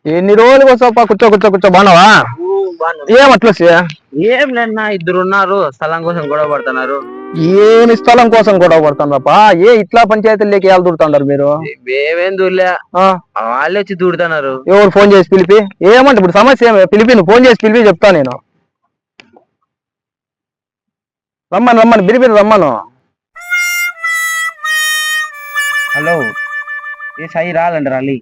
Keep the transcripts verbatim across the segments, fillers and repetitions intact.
ఎన్ని రోజులు వస్తావా? కూర్చో కూర్చో కూర్చో బాగున్నావా? ఏం అట్లా ఏం లేదన్నా, ఇద్దరు ఉన్నారు స్థలం కోసం గొడవ పడుతున్నారు. ఏమి స్థలం కోసం గొడవ పడుతున్నారప్పా? ఏ ఇట్లా పంచాయతీలోకి ఎలా దూరుతున్నారు మీరు? మేమేం దూరలే, వాళ్ళే వచ్చి దూడుతున్నారు. ఎవరు ఫోన్ చేసి పిలిపి ఏమంటే ఇప్పుడు సమస్య ఏమి? పిలిపి నువ్వు ఫోన్ చేసి పిలిపి చెప్తా నేను. రమ్మను రమ్మను పిలిపి రమ్మను. హలో, ఏ సాయి రాలండి రాలి.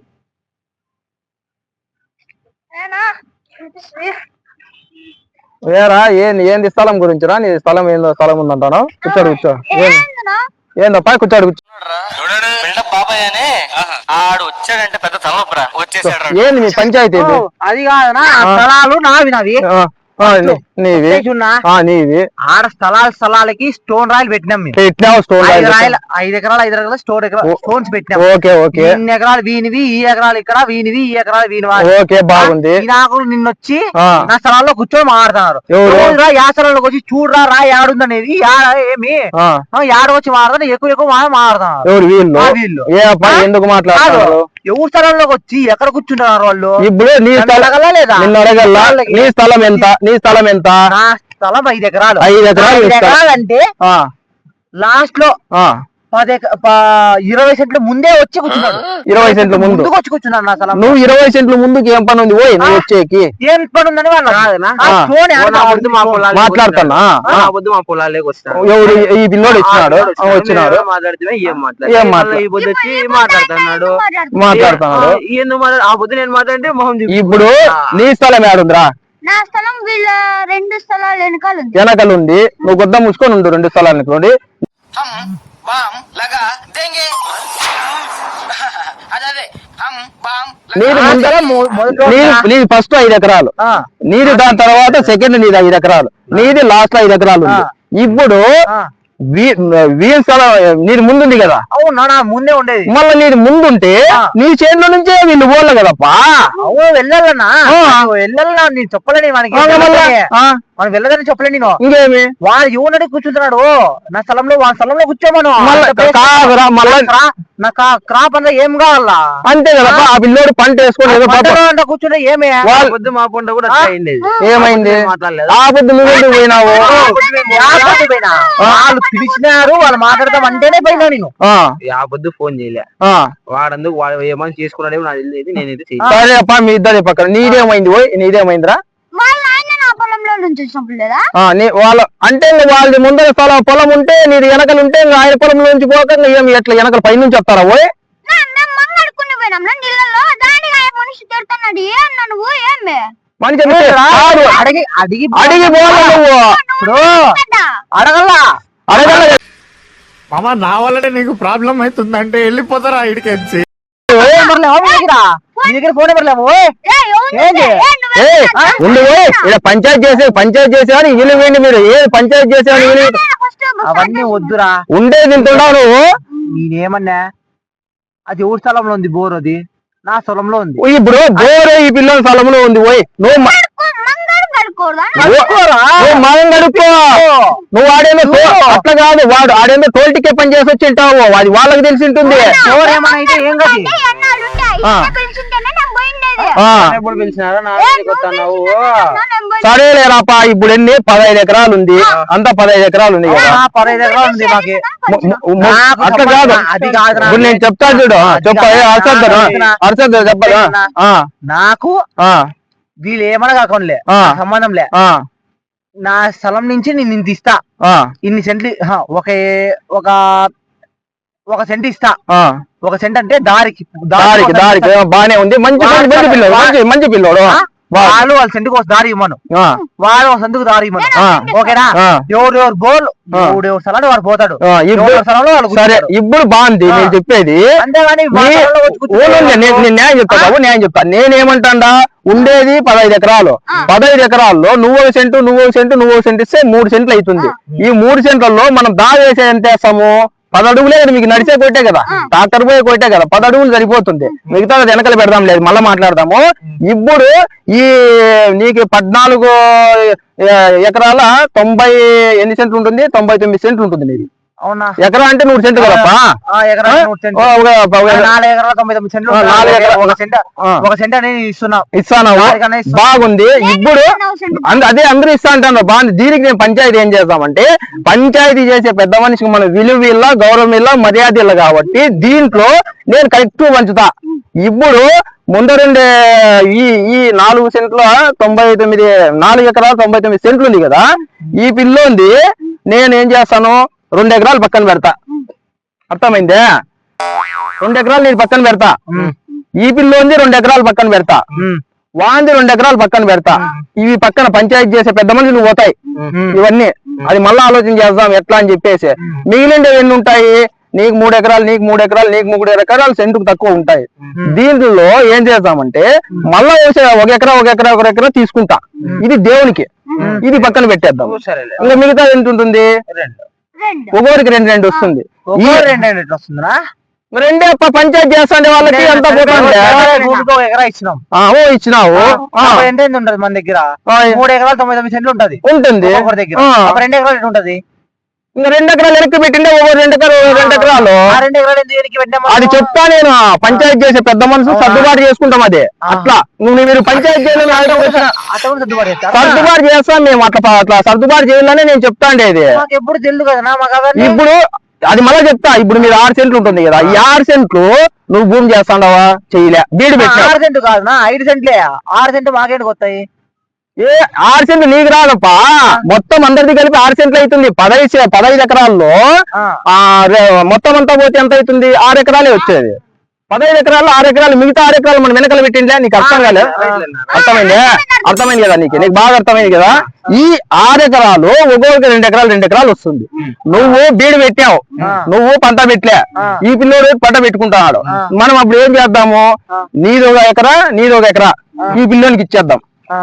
ఏరా ఏంది ఏంది స్థలం గురించిరా? నీ స్థలం ఏందో స్థలం ఉందంటాను. కూర్చోడు కూర్చో. ఏందప్పా కూర్చోడు కూర్చో. బాబాయ్ అని ఆడు వచ్చాడంటే పెద్ద తలనొప్పరా వచ్చేసాడు. ఏంది మీ పంచాయతీ? అది కాదనా, స్థలాలు నావి నావి నీవి నీవి ఆడ స్థలాల స్థలాలకి స్టోన్ రాయలు పెట్టినాం మేము. పెట్టినావు స్టోన్ రాయలు ఐదు ఎకరాలు ఐదు ఎకరాలు స్టోన్ స్టోన్స్ పెట్టినాం. Okay okay. ఇన్ని ఎకరాలు వీనివి, ఈ ఎకరాలు ఇక్కడ వీనివి, ఈ ఎకరాలు వీనివా. ఓకే బాగుంది. నాకు నిన్నొచ్చి నా స్థలాల్లో కూర్చొని మాట్లాడుతున్నారు. యా స్థలంలోకి వచ్చి చూడరా రా యాడుందనేది ఏమి యాడ వచ్చి మాట్లాడుతున్నా ఎక్కువ ఎక్కువ మాట్లాడుతున్నారు. ఎవరు వీళ్ళు? వీళ్ళు ఎందుకు మాట్లాడుతున్నారు? ఎవరు స్థలంలోకి వచ్చి ఎక్కడ కూర్చుంటున్నారు వాళ్ళు? ఇప్పుడు నీ స్థలం లేదా? నిన్ను అడగల్లా నీ స్థలం ఎంత? నీ స్థలం ఎంత? నా స్థలం ఐదు ఎకరాలు. ఐదు ఎకరాలు ఎకరాలు అంటే లాస్ట్ లో పది ఇరవై సెంట్ల ముందే వచ్చి కూర్చున్నాడు. ఇరవై సెంట్ల ముందు వచ్చి కూర్చున్నాడు నా స్థలం. నువ్వు ఇరవై సెంట్ల ముందుకి ఏం పని ఉంది? పోయి నువ్వు వచ్చేకి ఏం పని ఉందని మాట్లాడుతున్నా. మా పొలాలేకి వస్తాను. ఎవరు ఈ పిల్లోడు ఇచ్చినాడు? వచ్చినాడు మాట్లాడితే ఏం మాట్లాడు ఏం మాట్లాడు వచ్చి మాట్లాడుతున్నాడు మాట్లాడుతున్నాడు ఎందుకు మాట్లాడు? ఆ పొద్దు నేను మాట్లాడితే మొహం. ఇప్పుడు నీ స్థలం ఏడుందిరా? నా స్థలం వీళ్ళ రెండు స్థలాలు వెనకాల ఉంది. వెనకాల ఉంది. నువ్వు గుద్ద మూసుకొని ఉండు రెండు స్థలాలు అనుకోండి. నీది ఫస్ట్ ఐదు ఎకరాలు నీది, దాని తర్వాత సెకండ్ నీది ఐదు ఎకరాలు నీది, లాస్ట్ లో ఐదు ఎకరాలు ఉంది. ఇప్పుడు వీళ్ళ స్థలం నీది ముందుంది కదా? అవునా, ముందే ఉండేది. మళ్ళీ నీది ముందుంటే నీ చేతిలో నుంచే వీళ్ళు పోలే కదప్పా. అవును వెళ్ళాలన్నా, వెళ్ళాలన్నా నేను చెప్పలేని మనకి, మనం వెళ్ళదని చెప్పలే నేను. ఇంకేమి వాడు యువనడి కూర్చుంటున్నాడు నా స్థలంలో, వాళ్ళ స్థలంలో కూర్చోమను. నాకు క్రాప్ అంతా ఏం కావాలా? అంతే కదా. ఆ పిల్లోడు పంట వేసుకొని కూర్చుంటే ఏమే పొద్దు మా పంట కూడా ఏమైంది? ఆ పొద్దు నువ్వు పోయినావు. వాళ్ళు పిలిచినారు, వాళ్ళు మాట్లాడతాం అంటేనే పోయినా నేను. ఆ పొద్దు ఫోన్ చేయలే వాడందుకు వాడు ఏమని చేసుకున్నాడేమో నాకు తెలియదు. నేనైతే సరే అప్ప మీ ఇద్దరు పక్కన. నీదేమైంది? పోయి నీదేమైందిరా? వాళ్ళ అంటే వాళ్ళది ముందర స్థలం పొలం ఉంటే నీది వెనకలు ఉంటే ఆయన పొలం నుంచి పోక ఏమి ఎట్లా వెనకల పై నుంచి వస్తారా? పోయి మనిషి అడిగి అడిగి అడిగి నువ్వు అడగల్లా అడగల. మామ నా వల్లనే నీకు ప్రాబ్లం అవుతుందంటే వెళ్ళిపోతారా ఇడికెచ్చి? పంచాయతీ చేసే పంచాయతీ చేసేవాడు వీళ్ళు వేయండి. మీరు ఏ పంచాయతీ చేసేవాడు? అవన్నీ వద్దురా, ఉండేది తింటున్నావు నువ్వు. నేనేమన్నా అది ఎవరి స్థలంలో ఉంది? బోర్ అది నా స్థలంలో ఉంది. ఇప్పుడు బోర్ ఈ పిల్లల స్థలంలో ఉంది. పోయి నువ్వు మనం గడుపుకో. నువ్వు ఆడేందో అట్లా కాదు, వాడు ఆడేందో తోల్టికే పని చేసి వచ్చి ఉంటావు. అది వాళ్ళకి తెలిసి ఉంటుంది. సరేలేరాపా, ఇప్పుడు ఎన్ని పదహైదు ఎకరాలు ఉంది, అంతా పదహైదు ఎకరాలు ఉంది కదా? పదహైదు ఎకరాలు ఉంది మాకి. అట్లా కాదు, ఇప్పుడు నేను చెప్తాను చూడు. చెప్ప అర్చద్దు అర్చద్దు చెప్పదా? నాకు వీళ్ళు ఏమన్నా కాకుండా సంబంధం లే. నా స్థలం నుంచి నేను ఇంత ఇస్తా, ఇన్ని సెంట్లు ఒక ఒక ఒక సెంట్ ఇస్తా. ఒక సెంట్ అంటే దారికి దారికి దారికి బానే ఉంది. మంచి మంచి పిల్లడు, మంచి మంచి పిల్లడు. వాళ్ళు వాళ్ళ సెంటుకు ఒక దారి ఇవ్వమను, వాళ్ళు ఒక సెంటుకు దారి ఇవ్వను. ఓకేనా? ఎవరు ఎవరు బోల్ ఎవడు ఎవరు స్థలాన్ని వాడు పోతాడు. సరే ఇప్పుడు బాగుంది నేను చెప్పేది. అంతేగాని నేను న్యాయం చెప్తాను, న్యాయం చెప్తాను. నేనేమంటా, ఉండేది పదహైదు ఎకరాలు. పదహైదు ఎకరాల్లో నువ్వు ఒక సెంటు నువ్వు ఒక సెంటు నువ్వు ఒక సెంటు ఇస్తే మూడు సెంట్లు అవుతుంది. ఈ మూడు సెంట్లలో మనం దారి వేసే ఎంత వేస్తాము? పది అడుగులే కదా. మీకు నడిచే కొట్టే కదా, ట్రాక్టర్ పోయే కొట్టే కదా, పది అడుగులు సరిపోతుంది. మిగతా వెనకలు పెడదాం, లేదు మళ్ళీ మాట్లాడదాము. ఇప్పుడు ఈ నీకు పద్నాలుగు ఎకరాల తొంభై ఎన్ని సెంట్లు ఉంటుంది? తొంభై తొమ్మిది సెంట్లు ఉంటుంది నీది. అవునా ఎకరా అంటే నూరు సెంట్లు కదప్పా ఆ, ఎకరా నూరు సెంట్లు. ఓ, ఒక- ఒక- నాలుగు ఎకరాల తొంభై తొమ్మిది సెంట్లు ఆ, నాలుగు ఎకరా- ఒక సెంట్ ఆ. ఒక సెంట్ అనేది ఇస్తున్నావు ఇస్తాను నాలుగనే ఇస్తాను. బాగుంది ఇప్పుడు అంద- అదే అందరూ ఇస్తా అంటాను బాగుంది. దీనికి నేను పంచాయతీ ఏం చేస్తామంటే పంచాయతీ చేసే పెద్ద మనిషికి మన విలువ ఇల్ల గౌరవం ఇల్ల మర్యాద ఇల్ల కాబట్టి దీంట్లో నేను కరెక్ట్ పంచుతా. ఇప్పుడు ముందరుండే ఈ ఈ నాలుగు సెంట్ల తొంభై తొమ్మిది నాలుగు ఎకరాలు తొంభై తొమ్మిది సెంట్లు ఉంది కదా, ఈ పిల్లోంది నేను ఏం చేస్తాను రెండు ఎకరాలు పక్కన పెడతా. అర్థమైందే? రెండు ఎకరాలు నేను పక్కన పెడతా. ఈ పిల్లోంది రెండు ఎకరాలు పక్కన పెడతా. వాంది రెండు ఎకరాలు పక్కన పెడతా. ఇవి పక్కన పంచాయతీ చేసే పెద్ద మనుషులు పోతాయి ఇవన్నీ. అది మళ్ళీ ఆలోచన చేద్దాం ఎట్లా అని చెప్పేసి. మిగిలిండేవి ఎన్ని ఉంటాయి? నీకు మూడు ఎకరాలు నీకు మూడు ఎకరాలు నీకు మూడు ఎకరాలు సెంటుకు తక్కువ ఉంటాయి. దీంట్లో ఏం చేద్దామంటే మళ్ళా ఒక ఎకరా ఒక ఎకరా ఒక ఎకరా తీసుకుంటా. ఇది దేవునికి, ఇది పక్కన పెట్టేద్దాం. ఇంకా మిగతా ఎంత ఉంటుంది? ఒక్కొక్కరికి రెండు రెండు వస్తుంది. ఈ రెండు రెండు ఎట్లా వస్తుందా? రెండే అప్ప పంచాయతీ చేస్తాండే వాళ్ళకి ఎంత పోతుంది? ఒక ఎకరా ఇచ్చినాం. ఆ, ఓ ఇచ్చినావు. ఆ, అప్పుడు ఎంత ఎంత ఉంటది మన దగ్గర? ఆ, మూడు ఎకరాలు తొంభై తొమ్మిది సెంట్లు ఉంటది ఉంటుంది. ఒకరి దగ్గర. ఆ. అప్పుడు రెండు ఎకరాలు ఎట్లా ఉంటది? ఇంకా రెండు ఎకరాలు వెనక్కి పెట్టిండే ఒక్కొక్క రెండు ఎకరాలు ఒక్కొక్క రెండు ఎకరాలు ఆ రెండు ఎకరాలు ఎందుకు వెనక్కి పెట్టాము? అది చెప్తా నేను. పంచాయతీ చేసే పెద్ద మనుషులు సర్దుబాటు చేసుకుంటాం. అదే అట్లా నువ్వు మీరు పంచాయతీ చేయాలని అట్లా కూడా సర్దుబాటు చేస్తారా? సర్దుబాటు చేస్తాం మేము. అట్లా అట్లా సర్దుబాటు చేయాలని నేను చెప్తా అండి. ఇది మాకు ఎప్పుడు తెలియదు కదా మాకు అవన్నీ. ఇప్పుడు అది మళ్ళీ చెప్తా. ఇప్పుడు మీరు ఆరు సెంట్లు ఉంటుంది కదా, ఈ ఆరు సెంట్లు నువ్వు భూమి చేస్తాండవా? చేయలే, బీడు పెట్టా. ఆరు సెంటు కాదు నా ఐదు సెంట్లే. ఆరు సెంటు మాకేంటికి వస్తాయి? ఏ ఆరు సెంట్లు నీకు రాదప్పా, మొత్తం అందరిది కలిపి ఆరు సెంట్లు అవుతుంది. పదహైదు పదహైదు ఎకరాల్లో ఆ. ఆ రె- మొత్తం అంతా పోతే ఎంత అవుతుంది? ఆరు ఎకరాలే వచ్చేది. పదహైదు ఎకరాలు ఆరు ఎకరాలు, మిగతా ఆరు ఎకరాలు మనం వెనకాల పెట్టిండే. నీకు అర్థం కాలేదు? అర్థమైంది అర్థమైంది కదా నీకు? నీకు బాగా అర్థమైంది కదా? ఈ ఆరు ఎకరాలు ఒక్కొక్క రెండు ఎకరాలు రెండు ఎకరాలు వస్తుంది. నువ్వు బీడు పెట్టావు, నువ్వు పంట పెట్టలే, ఈ పిల్లోడు పంట పెట్టుకుంటున్నాడు. మనం అప్పుడు ఏం చేద్దాము? నీది ఒక ఎకరా నీది ఒక ఎకరా ఈ పిల్లోనికి ఇచ్చేద్దాం.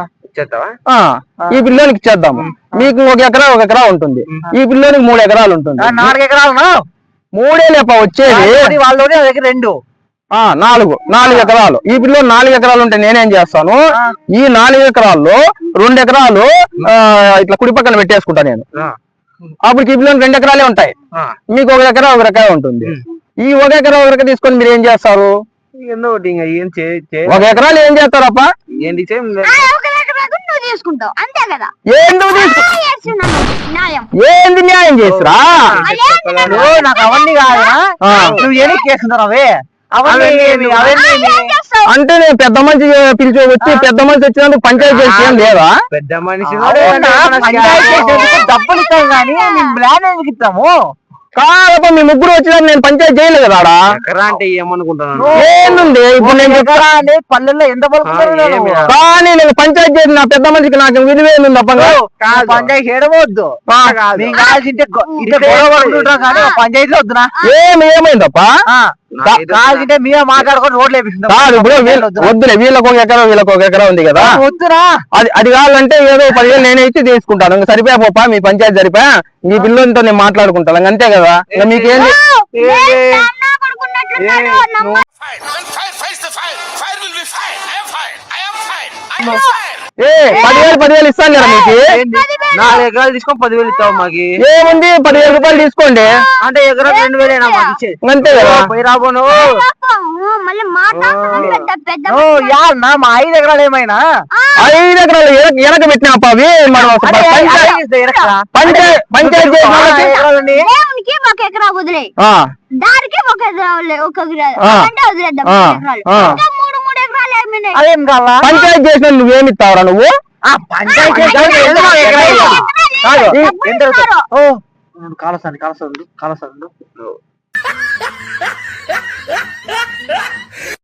ఆ ఈ పిల్లోనికి ఇచ్చేద్దాము. మీకు ఒక ఎకరా ఒక ఎకరా ఉంటుంది, ఈ పిల్లోనికి మూడు ఎకరాలు ఉంటుంది. నాలుగు ఎకరాలు మూడే లేప వచ్చేది. వాళ్ళలోనే దగ్గర రెండు ఆ నాలుగు నాలుగు ఎకరాలు. ఈ పిల్లో నాలుగు ఎకరాలు ఉంటే నేనేం చేస్తాను? ఈ నాలుగు ఎకరాల్లో రెండు ఎకరాలు ఆ ఇట్లా కుడి పక్కన పెట్టేసుకుంటా నేను. అప్పుడు ఈ పిల్లలు రెండు ఎకరాలే ఉంటాయి, మీకు ఒక ఎకరా ఒక ఎకరా ఉంటుంది. ఈ ఒక ఎకరా ఒక ఎకరా తీసుకొని మీరు ఏం చేస్తారు? ఒక ఎకరాలు ఏం చేస్తారప్ప? ఏంటి నువ్వు తీసుకుంటావు అంతే కదా. ఎందుకు తీసుకు చేస్తున్నాను న్యాయం. ఏంది న్యాయం చేసిరా? నాకు అవన్నీ కాదా? నువ్వు ఎనికి చేస్తున్నావు అవే అవన్నీ అవన్నీ అంటే నేను పెద్ద మనిషి పిలిచి వచ్చి పెద్ద మనిషి వచ్చినందుకు పంచాయతీ చేసి ఏం లేదా? పెద్ద మనిషి డబ్బులు ఇస్తాం కానీ మేము ప్లాన్ ఎందుకు ఇస్తాము? కాదప్ప మీ ముగ్గురు వచ్చినాక నేను పంచాయతీ చేయలేదు కదా ఆడ. అంటే ఏమనుకుంటున్నాను? ఏంది ఇప్పుడు నేను చెప్తా అంటే పల్లెల్లో ఎంత పలుకుతారు కానీ నేను పంచాయతీ చేసి నా పెద్ద మనిషికి నాకు విలువేంది తప్పగా. పంచాయతీ చేయడమొద్దు. మేము కావాల్సింటే ఇట్లా గొడవ పడుకుంటాం కానీ పంచాయతీలో వద్దునా? ఏమి ఏమైందప్ప? కావాల్సింటే మేమే మాట్లాడుకొని రోడ్లు వేపిస్తున్నాం. కాదు ఇప్పుడు వీళ్ళ- వద్దులే, వీళ్ళకి ఒక ఎకరా వీళ్ళకి ఒక ఎకరా ఉంది కదా, వద్దునా? అది అది కావాలంటే ఏదో పదివేలు నేనే ఇచ్చి తీసుకుంటాను. ఇంకా సరిపోయా పోపా, మీ పంచాయతీ సరిపోయా, మీ పిల్లలతో నేను మాట్లాడుకుంటాను. ఇంక అంతే కదా. ఇంకా మీకేంది? ఏ పదివేలు పదివేలు ఇస్తాను కదా మీకు. నాలుగు ఎకరాలు తీసుకొని పదివేలు ఇస్తావు మాకి. ఏముంది పదివేలు రూపాయలు తీసుకోండి. అంటే ఎకరా రెండు వేలేనా మాకు ఇచ్చేది? అంతే కదా. పోయి రాబోను మళ్ళీ మాట్లాడుతున్నాను పెద్ద పెద్ద యాదన్నా మా ఐదు ఎకరాలు ఏమైనా ఐదు ఎకరాలు వెనక- వెనక పెట్టినాపా అవి మనం అసలు పంచాయతీ పంచాయతీ చేసిన వాళ్ళకి- దేవునికి ఒక ఎకరా వదిలే, ఆ, దానికి ఒక ఎకరా వదిలే- ఒక ఎకరా ఆ. అంటే వదిలేద్దాం. ఆ. మూడు ఎకరాలు. ఆ. ఇంకా మూడు మూడు ఎకరాలు ఏమైనాయి? అదేం కావాలా? పంచాయతీ చేసిన నువ్వేమి ఇస్తావురా నువ్వు? పంచాయతీ కాలసాన్ని కాలసాండు కాలసాండు